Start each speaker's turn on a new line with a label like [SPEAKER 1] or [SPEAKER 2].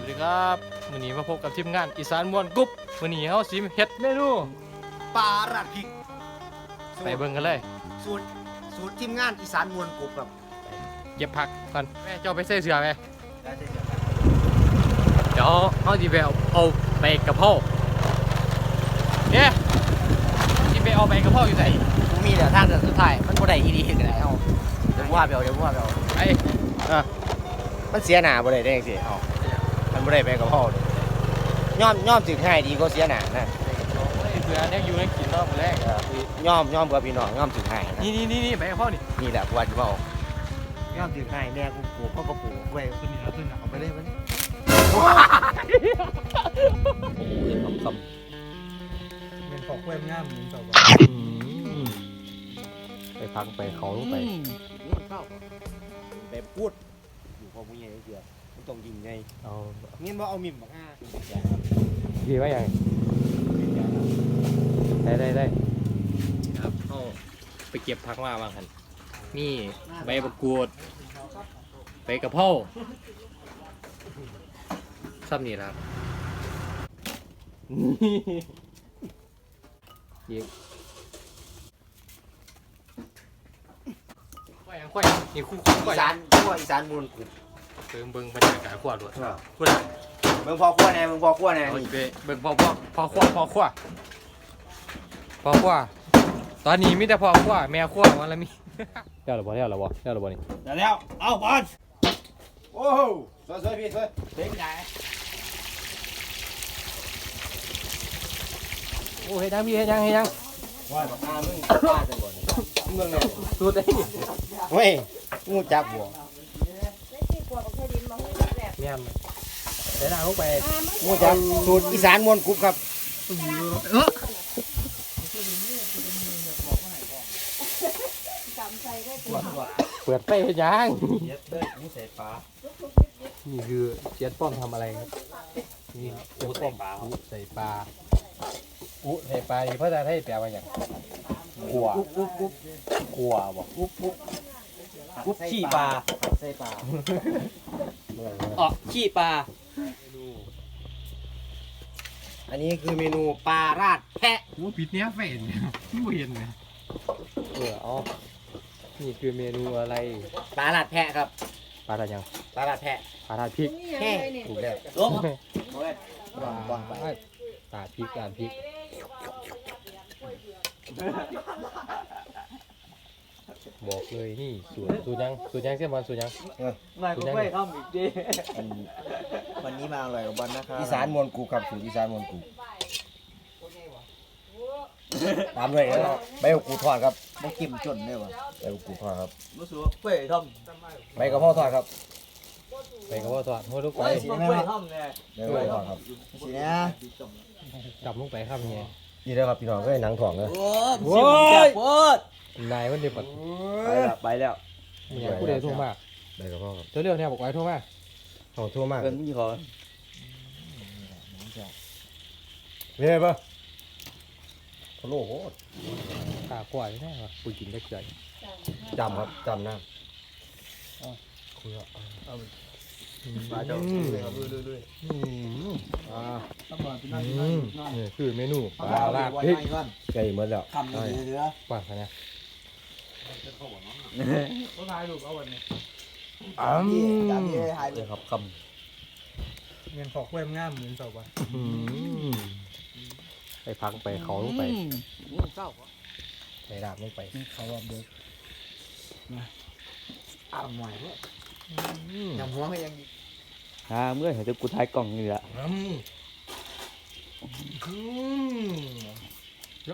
[SPEAKER 1] วัสดีครับวันนี้มาพบกับทีมงานอีสานม่วนกรุ๊ปวันนี้เฮาสิเฮ็ดเมนู
[SPEAKER 2] ปลาราดพริก
[SPEAKER 1] ไปเบิ่งกันเลย
[SPEAKER 2] สูตรทีมงานอีสานมวลกรุบครับ
[SPEAKER 1] เก็บผักก่อนแม่เจ้าไปใส่เสื้อไป
[SPEAKER 2] ได้เลย
[SPEAKER 1] เดี๋ยวเฮาสิไปเอาไปกระเพราเนี่ยสิไปเอาไปกระเพราอยู่ไหน
[SPEAKER 2] กูมีเดี๋ยวทางเดินสุดท้ายมันบ่ได้อีดีกันไหนเอาเดี๋ยวว่าไปเอา
[SPEAKER 1] ไป
[SPEAKER 2] มันเสียหน้าบ่ได้ได้จังซี่เอามันบ่ได้ไปกับพ่อเลยย่อมถึงให้ดีก็เสียหน้านะ
[SPEAKER 1] เพื่อเนี่ยอยู่ในกินรอบแรก
[SPEAKER 2] ย่อมกับพี่น้องย่อมถึงให้นะ
[SPEAKER 1] นี่ไปกระเพรานี่
[SPEAKER 2] นี่แหละกูว่าจะบอกย่อมถึงให้แม่กูปลูกพ่อก็ปลูกไว้ขึ้นนี่แล้วขึ้นเอาไปเลยมันคำ
[SPEAKER 3] เป็นของแวมง่ามเหมือนกับ
[SPEAKER 1] ไปพักไปเขาไป
[SPEAKER 2] ไปพูดอยู่พอมึงใหญ่เดียวมันต้องยิงไง
[SPEAKER 1] เอา
[SPEAKER 2] เงี้ยว่าเอามิ่มบักอ้า
[SPEAKER 1] ดีไว้ยังได้ครับเฮาไปเก็บผักมาบางคันนี่ใบมะกรูดใบกระเพราซ้ำนี่ครับยิงค่อยนี่คู่
[SPEAKER 2] อี
[SPEAKER 1] ค่อย
[SPEAKER 2] สานพวกอีสานมูลกรุบ
[SPEAKER 1] เบิ่งบรรยากาศขวดด้วยคุณ
[SPEAKER 2] มึงพอขั้วแน่มึงพอขั้วแน่
[SPEAKER 1] เอา
[SPEAKER 2] นี่
[SPEAKER 1] ไปเบิ่งพอขวาตอนนี้มีแต่พอขวาแม่ขวาวันละมีแล้วหรอบ่นี่
[SPEAKER 2] แล้วเอาบอลโอ้โหสวยพี่สวยเด็กใหญ่
[SPEAKER 1] โอ้เฮ็ดยังพี่เฮ็ดยัง
[SPEAKER 2] ว่าบักอ้ามึงป้าจังบ่นี่มึงเนี่ย
[SPEAKER 1] สูตรได้นี่
[SPEAKER 2] เฮ้ยงูจับหัว
[SPEAKER 1] แม่นใส่น้ำลงไป
[SPEAKER 2] งูจับสูตรอีสานมวลกรุบครับ
[SPEAKER 1] เปิดไฟเฮ็ดยัง
[SPEAKER 2] เย็ดเด้อนี่ใส่ปลา
[SPEAKER 1] นี่คือเชียดป้อมทำอะไรครับนี่เป็นป้อมใส่ปลาใส่ปลานี่ภาษาไทยแปลว่าหยังกัวกัวบ่
[SPEAKER 2] กุ๊บขี้ปลาใส่ปลา
[SPEAKER 3] ขี้ปลา
[SPEAKER 2] อันนี้คือเมนูปลาราดแพะ
[SPEAKER 1] โอ้ปิดเนี้ยเฟนผู้เห็นเลยเอานี่คือเมนูอะไร
[SPEAKER 2] ปลาราดแพะครับ
[SPEAKER 1] ปลาอะไรยัง
[SPEAKER 2] ปลาราดแพะ
[SPEAKER 1] ปลาทาพริก
[SPEAKER 2] แห้ถูกแล้ว
[SPEAKER 3] ล้ม
[SPEAKER 2] บ้องไป
[SPEAKER 1] ปลาพริกบอกเลยนี่สูตรยังเสียบอลสูตรยัง
[SPEAKER 3] นายก็ไม่ทำอีกดิ
[SPEAKER 2] วันนี้มาอร่อยกับบอลนะครับอีสานมวลกรุบครับสูตรอีสานมวลกรุบตามด้วยแล้วใบกรูดทอดครับบ่กิมจนได้ป่ะใบกรูดทอดครับ
[SPEAKER 3] รู้สึกว่าเป้ท
[SPEAKER 2] ใบกระเพราะทอดครับ
[SPEAKER 1] ไปกับว่าทอดหัวลูก
[SPEAKER 3] ำ
[SPEAKER 1] ไป
[SPEAKER 3] เป้ทำเนี่ย
[SPEAKER 2] ใบกระเพราะทอดครับสิเนี่ย
[SPEAKER 1] จับลงไปครับเนี่ย
[SPEAKER 2] นี่นะครับพี่น้องก็หนังถ่องเลย
[SPEAKER 3] โอ้สิบแก่โคตร
[SPEAKER 1] นายมันเดือดปัด
[SPEAKER 3] ไปแล้ว
[SPEAKER 1] เนี่ยผู้ใดโทรมา
[SPEAKER 2] ใบกระเพราะครับ
[SPEAKER 1] เจ้าเรื่องเนี่ยบอกไว้โทรมา
[SPEAKER 2] ของทั่วมาก
[SPEAKER 3] เป็นพี่ขอ
[SPEAKER 2] นี่ไงปะพะโล้โหด
[SPEAKER 1] ตากว่าแน่ว่ะปุยกินได้เกลือ
[SPEAKER 2] จำครับจำนะ
[SPEAKER 3] มาเจ้า
[SPEAKER 2] ลุย
[SPEAKER 1] นี่คือเมนูปลาลาดพริก
[SPEAKER 2] ไก่หมดแล้ว
[SPEAKER 3] คำนี้เหลือก
[SPEAKER 1] ว่าขนาด
[SPEAKER 3] ก็ทายลูกเอาวันนี้
[SPEAKER 2] จำนี่ให้เลยครับค
[SPEAKER 3] เป็นของแวมง่ามเหมือนกับว่า
[SPEAKER 1] ไปพังไปเขาลงไป
[SPEAKER 3] เจ้า
[SPEAKER 1] ใส่ดาบลงไป
[SPEAKER 3] เขาแบบเด็กอ้าวหน่อยด้วยยังหัวก็ยัง
[SPEAKER 4] เมื่อเห็นกูท้ายกล่องนี่แหละ